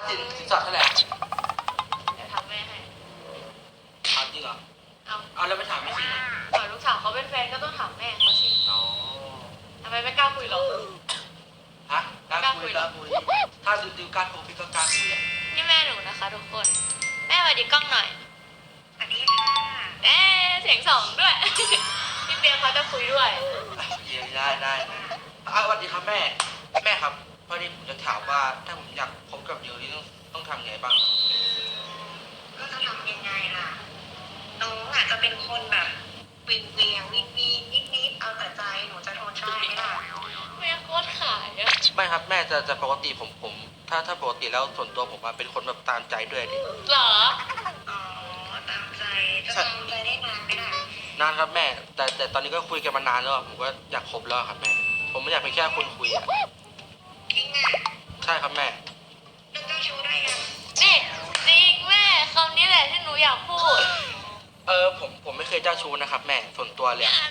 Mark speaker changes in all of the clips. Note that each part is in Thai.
Speaker 1: สินสอดเท่าไหร่
Speaker 2: เดี๋ยวทำแม่ให้
Speaker 1: ถามจริงเหรอ
Speaker 2: เอา
Speaker 1: เอาแล้วไม่ถามไม่จริงเหรอ
Speaker 2: ก่อนลูกสาวเขาเป็นแฟนก็ต้องถามแม่เขาสิ
Speaker 1: อ๋อ
Speaker 2: ทำไมไม่กล้าคุยหรอ
Speaker 1: ฮะกล้าคุยถ้าดูการคุยพี่ก็กล้าคุยอ่ะ
Speaker 2: นี่แม่หนูนะคะทุกคน แม่สวัสดีกล้องหน่อย
Speaker 3: สวัสดีค่ะ
Speaker 2: เสียงสองด้วย พี่เบียร์เขาจะคุยด้วย
Speaker 1: ได้สวัสดีครับแม่ครับพอดีผมจะถามว่าถ้าผมอยากพบกับเดี๋ยวนี้ต้องทำไงบ้าง
Speaker 3: ก็จะทำยังไงล่ะ น้องอาจจะเป็นคนแบบเวียงวิงนิดเอาแต่ใจ หนูจะทนได้ไหมล่ะ
Speaker 2: แม่โคตรขายอะ
Speaker 1: ไม่ครับแม่จะปกติผมถ้าปกติแล้วส่วนตัวผมเป็นคนแบบตามใจด้วยดิ
Speaker 2: เหรอ
Speaker 3: อ๋อ ตามใจ จะตามใจได้นานไหมล่ะ
Speaker 1: นานครับแม่แต่ตอนนี้ก็คุยกันมานานแล้วผมก็อยากคบแล้วครับแม่ผมไม่อยากเป็นแค่คนคุยอ่ะ
Speaker 3: จริงอ่ะ
Speaker 1: ใช่ครับแม่
Speaker 3: เรื่องเจ้าชู้ได้ยัง
Speaker 2: นี่จริงแม่คำนี้แหละที่หนูอยากพูด
Speaker 1: ผมไม่เคยเจ้าชู้นะครับแม่ส่วนตัวเลยอะ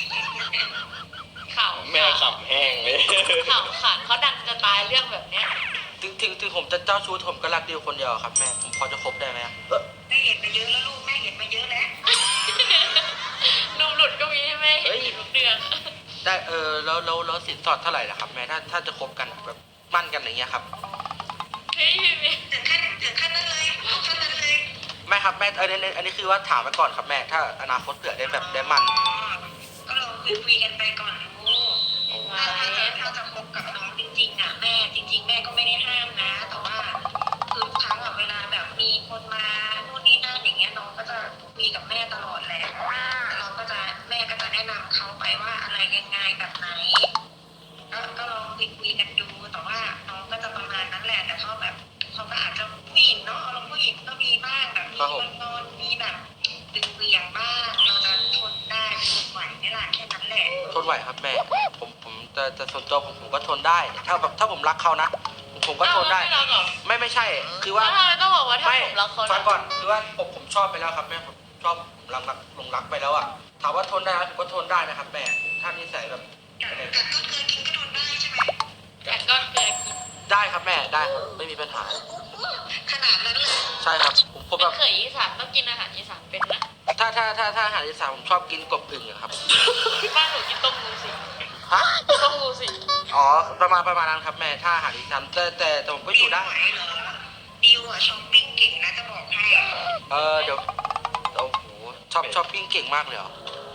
Speaker 2: ข่าว
Speaker 4: แม่ขำแห้งเลย
Speaker 2: ข่าวขาดเขาดังจะตายเรื่องแบบเนี้ย
Speaker 1: ถึงผมจะเจ้าชู้ผมก็รักเดียวคนเดียวครับแม่ผมพอจะคบได้ไหมอะ
Speaker 3: แม่เห็นมาเยอะแล้วลูก แม่เห็นมาเยอะแล้ว
Speaker 2: นมหลุดก็มีให้แม่เห็นอยู่ทุกเดือน
Speaker 1: ได้แล้วสินสอดเท่าไหร่ล่ะครับแม่ถ้าจะคบกันแบบมั่นกันอย่างเงี้ยครับ
Speaker 2: เฮ้ยพี่เบียร์
Speaker 3: ถึงขั้นนั้นเลยขั้นนั้นเลย
Speaker 1: ไม่ครับแม่อันนี้คือว่าถามไปก่อนครับแม่ถ้าอนาคตเผื่อได้แบบได้มั่น
Speaker 3: อ๋อก็ลองคุยกันไปก่อนลูก ถ้าจะคบกับน้องจริงๆอ่ะแม่จริง ๆ แม่ก็ไม่ได้ห้ามนะ แต่ว่าคือทุกครั้งอะเวลาแบบมีคนมานู่นนี่นั่นอย่างเงี้ยน้องก็จะคุยกับแม่ตลอดแหละเราก็จะแม่ก็จะแนะนำเขาไปว่าอะไรยังไงแบบไหนก็ลองคุยกันดูแต่ว่าน้องก็จะประมาณนั้นแหละแต่เขาแบบเขาก็อาจจะผู้หญิงเนาะเราผู้หญิงก็มีบ้างแบบมีงอนมีแบบดึงเวียงบ้างเราจะทนได้ทนไหวไหมล่ะแค่นั้นแหละ
Speaker 1: ทนไหวครับแม่ผมแต่ส่วนตัวผมก็ทนได้ ถ้าผมรักเขานะผมก็ทนได้
Speaker 2: ไม่รักเหรอ
Speaker 1: ไม่ใช่คือว่า
Speaker 2: แล้วทำไมต้องบอกว่าถ้า
Speaker 1: ไม่
Speaker 2: ผมรักเขา
Speaker 1: ฟังก่อนคือว่าผมชอบไปแล้วครับแม่ผมชอบหลงรักไปแล้วอ่ะถามว่าทนได้ไหมผมก็ทนได้นะครับแม่ถ้านิสัยแบบ
Speaker 3: กัดก็เคยกินก็ทนได้ใช่ไหม
Speaker 2: แต่ก็เกลือกิน
Speaker 1: ได้ครับแม่ได้ครับไม่มีปัญหา
Speaker 3: ขนาดนั้นเลย
Speaker 1: ใช่ครับผม
Speaker 2: เป็
Speaker 1: แบ
Speaker 2: น
Speaker 1: บ
Speaker 2: เขยอีสานต้องกินอาหารอีสานเป็นนะ
Speaker 1: ถ้าอาหารอีสานผมชอบกินกบอึ่งอะครับ
Speaker 2: บ้านหนูกินต้มงูสิ
Speaker 1: ฮะ
Speaker 2: ต้มงูสิ
Speaker 1: อ๋อประมาณนั้นครับแม่ถ้าอาหารอีสานแต่ผมก็อยู่ได้
Speaker 3: ไหวเหรอดิวอะช้อปปิ้งเก่งนะจะบอกให้
Speaker 1: เดี๋ยวโอ้โหชอบปิ้งเก่งมากเลยเหรอ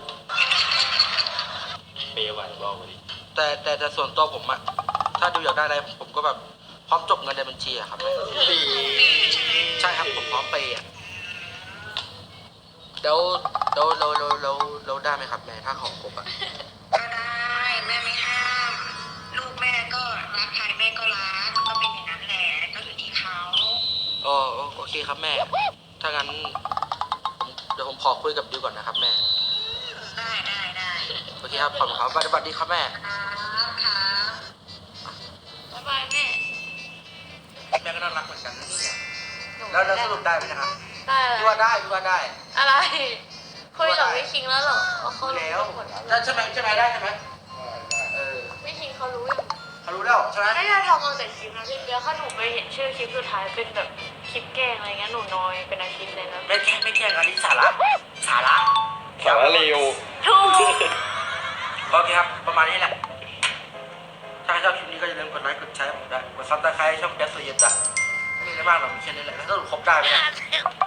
Speaker 4: เปย์ไหวบอกมาดิ
Speaker 1: แต่ส่วนตัวผมอะถ้าดูอยากได้อะไรผมก็แบบพร้อมจบเงินในบัญชีอะครับแม่ใช่ครับผมพร้อมไปอะแล้วได้ไหมครับแม่ถ้าของครบอะ
Speaker 3: ก็ได้แม่ไม่ห้าม ลูกแม่ก็รักใครแม่ก็รักมันก็เป็นอย่างนั้นแหละก็อยู่ที่เขา
Speaker 1: โอเคครับแม่ ถ้างั้นเดี๋ยวผมขอคุยกับดิวก่อนนะครับแม่
Speaker 3: ได้
Speaker 1: โอเคครับขอบคุณครับสวัสดีครับแม่
Speaker 3: ครับ
Speaker 2: บ๊ายบายแม่
Speaker 1: แม่ก็น่ารักเหมือนกันนะเนี่ยแล้วสรุปได้ไหมนะครับ
Speaker 2: ได้
Speaker 1: พี่ว่าได้
Speaker 2: อะไร คุยกับพี่คิงแล้วเหรอเขารู้
Speaker 1: แล้ว
Speaker 2: หมดแล้ว
Speaker 1: ใช่ไหมได้ใช่ไหมอ
Speaker 2: พี่คิงเขารู้อยู่
Speaker 1: เขารู้แล้วใช่ไหม
Speaker 2: ไม่ได้ทำเอาแต่คลิปนะพี่เบียร์ถ้าหนูไปเห็นชื่อคลิปสุดท้ายเป็นแบบคลิปแกล้งอะไรเงี้ยหนูนอยเป็นอาทิตย์เลยนะ
Speaker 1: ไม่แกล้งอันนี้สาระ
Speaker 4: สาระเร็ว
Speaker 2: ถูก
Speaker 1: โอเคครับประมาณนี้แหละถ้าชอบคลิปนี้ก็อย่าลืมกดไลค์กดแชร์ให้ผมได้กดซับสไครต์ช่องแก๊สโซเยนจ้ะไม่มีอะไรมากหรอกมีแค่นี้แหละแล้วสรุปครบได้ไหมเนี่ย